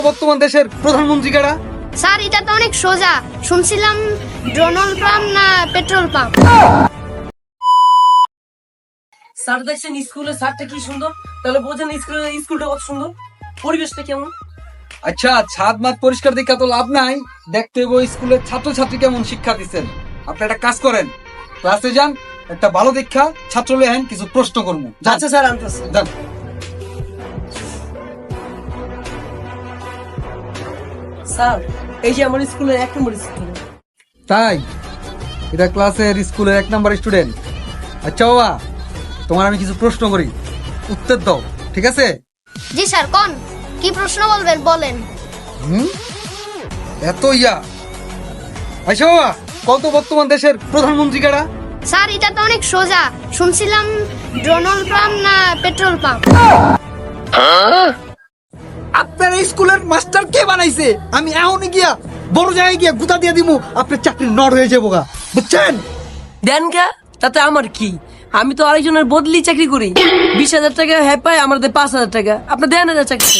বর্তমান দেশের প্রধানমন্ত্রী কারা? স্যার এটা তো অনেক সোজা, শুনছিলাম ডোনাল্ড পাম্প না পেট্রোল পাম্প। স্যার দেখছেন স্কুলের স্যারটা কি সুন্দর, তাহলে বোঝেন স্কুলটা কত সুন্দর, পরিবেশটা কেমন। আচ্ছা, ছাদ মাঠ পরিষ্কার দেখা তো লাভ নাই, দেখতে হবে স্কুলের ছাত্রছাত্রী কেমন শিক্ষা দিচ্ছেন। আপনি একটা কাজ করেন, ক্লাসে যান, একটা ভালো দীক্ষা ছাত্র লেহেন, কিছু প্রশ্ন করবো। আচ্ছা স্যার, আনতেছে। যান। স্যার এই যে আমার স্কুলের 1 নম্বর স্টুডেন্ট। তাই? এটা ক্লাসের স্কুলের 1 নাম্বার স্টুডেন্ট। আচ্ছা বাবা, তোমার আমি কিছু প্রশ্ন করি, উত্তর দাও, ঠিক আছে? জি স্যার, কোন কি প্রশ্ন বলবেন বলেন। এত ইয়া। আচ্ছা বাবা, কত বর্তমান দেশের প্রধানমন্ত্রী কারা? স্যার এটা তো অনেক সোজা, শুনছিলাম ডোনাল্ড পাম্প না পেট্রোল পাম্প। আপনার এই স্কুলের মাস্টার কে বানাইছে? আমি এখনই গিয়া বড় জায়গায় গিয়া গুতা দিয়ে দিমু, আপনার চাকরি নড় হয়ে যাবো গা, বুঝছেন? দেন কা, তাতে আমার কি? আমি তো আরেকজনের বদলি চাকরি করি, 20,000 টাকা হ্যাঁ পাই, আমাদের 5,000 টাকা। আপনি দেন না চাকরি।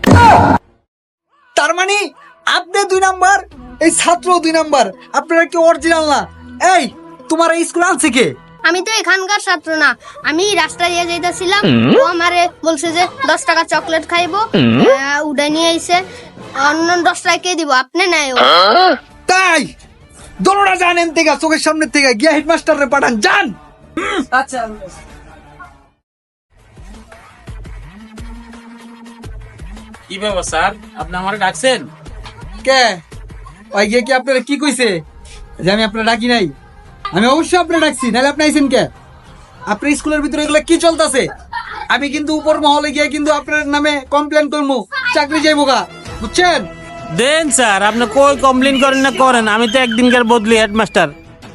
তার মানে আপনি 2 নাম্বার, এই ছাত্র 2 নাম্বার, আপনারা কি অরিজিনাল না? এই তোমার এই স্কুল আনছে কে? আমি তো এখানকার ছাত্র না, আমি রাস্তা দিয়ে যাইতেছিলাম, ও আমারে বলছে যে 10 টাকা চকলেট খাইবো, উড়ে নিয়ে আইছে, অন্য 10 টাকা কে দিব, আপনি নাই ও। তাই দোনোটা জানেন থেকে চোখের সামনে থেকে গিয়া হেডমাস্টারে পাঠান, যান। আচ্ছা কি ব্যাপার স্যার, আপনি আমারে ডাকছেন? কে ওই গিয়ে কি আপনারা কি কইছে যে আমি আপনারা ডাকি নাই? আমি অবশ্যই আপনারা ডাকছি, নাহলে আপনি আইছেন কে? আপনার স্কুলের ভিতরে এগুলো কি চলতেছে? আমি কিন্তু উপর মহলে গিয়ে কিন্তু আপনার নামে কমপ্লেন করবো, চাকরি যাইবো গা, বুঝছেন? দেন স্যার, আপনি কই কমপ্লেন করেন না করেন, আমি তো একদিনকার বদলি হেডমাস্টার।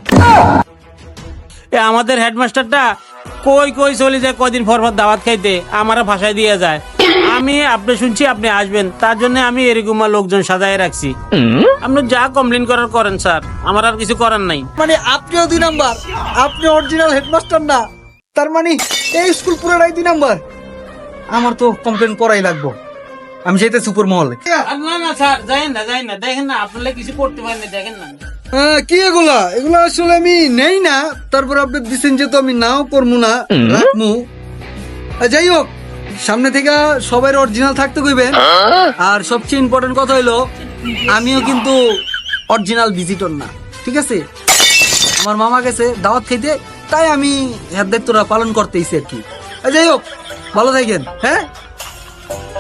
আমাদের হেডমাস্টারটা কই কই চলে যায়, কদিন পর পর দাওয়াত খাইতে আমারা ভাষায় দিয়ে যায়। আমি আপনি শুনছি আপনি আসবেন, তার জন্য আমি এরকম লোকজন সাজায় রাখছি। আপনি যা কমপ্লেন করার করেন স্যার, আমার আর কিছু করার নাই। মানে আপনিও 2 নাম্বার, আপনি অরিজিনাল হেডমাস্টার না, তার মানে এই স্কুল পুরোটাই 2 নাম্বার। আমার তো কমপ্লেন করাই লাগবো, আমি যেতে সুপার মহলে। না না স্যার, যাইন না, দেখেন না আপনারা কিছু করতে পারেন না, দেখেন না। কি এগুলা এগুলা আসলে আমি নেই না, তারপর আপনি দিচ্ছেন যেহেতু আমি নাও করবো না, রাখবো। যাই হোক, সামনে থেকে সবাই অরিজিনাল থাকতে কইবেন। আর সবচেয়ে ইম্পর্টেন্ট কথা হইলো, আমিও কিন্তু অরিজিনাল ভিজিটর না, ঠিক আছে? আমার মামা গেছে দাওয়াত খাইতে, তাই আমি এর দায়িত্বটা পালন করতেইছি আর কি। যাই হোক, ভালো থাকেন, হ্যাঁ?